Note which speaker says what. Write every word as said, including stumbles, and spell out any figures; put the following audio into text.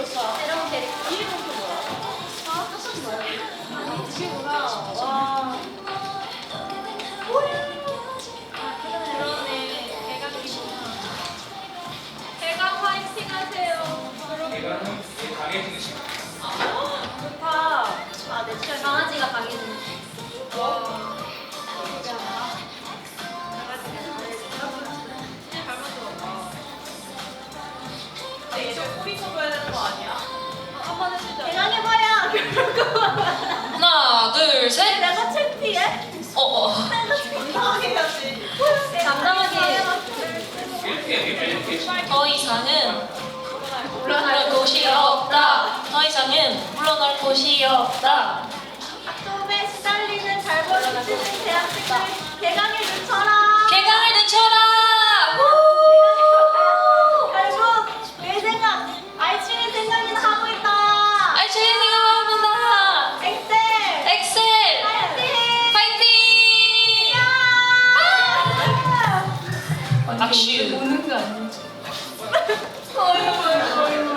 Speaker 1: 새로운 캐릭터. 이름은 또 뭐야? 아, 사실 뭐야? 지구나. 와. 그러네. 대강이구나. 대강 화이팅 하세요.
Speaker 2: 대강은 되게 강해지는 시간.
Speaker 1: 좋다. 아, 내 친구 강아지가 강해지는. 와.
Speaker 3: 하나, 둘, 셋.
Speaker 1: 내가 창피해?
Speaker 3: 어, 어.
Speaker 1: 당당해야지. 당당하게.
Speaker 2: 이렇게 이렇게 이렇게.
Speaker 3: 더 이상은 물러날 곳이 없다. 더 이상은 물러날 곳이 없다.
Speaker 1: 아톰에 시달리는 잘 벌어지는 대학생들 개강을 늦춰라.
Speaker 3: 개강을 늦춰라.
Speaker 1: 결국 내 생각, 알츠의 생각이나 하고 있다.
Speaker 3: 알차게 생각합니다.
Speaker 1: 엑셀.
Speaker 3: 엑셀.
Speaker 1: 파이팅.
Speaker 3: 파이팅. 악슈.
Speaker 1: 오는 거 아니지? 어이구 어이구.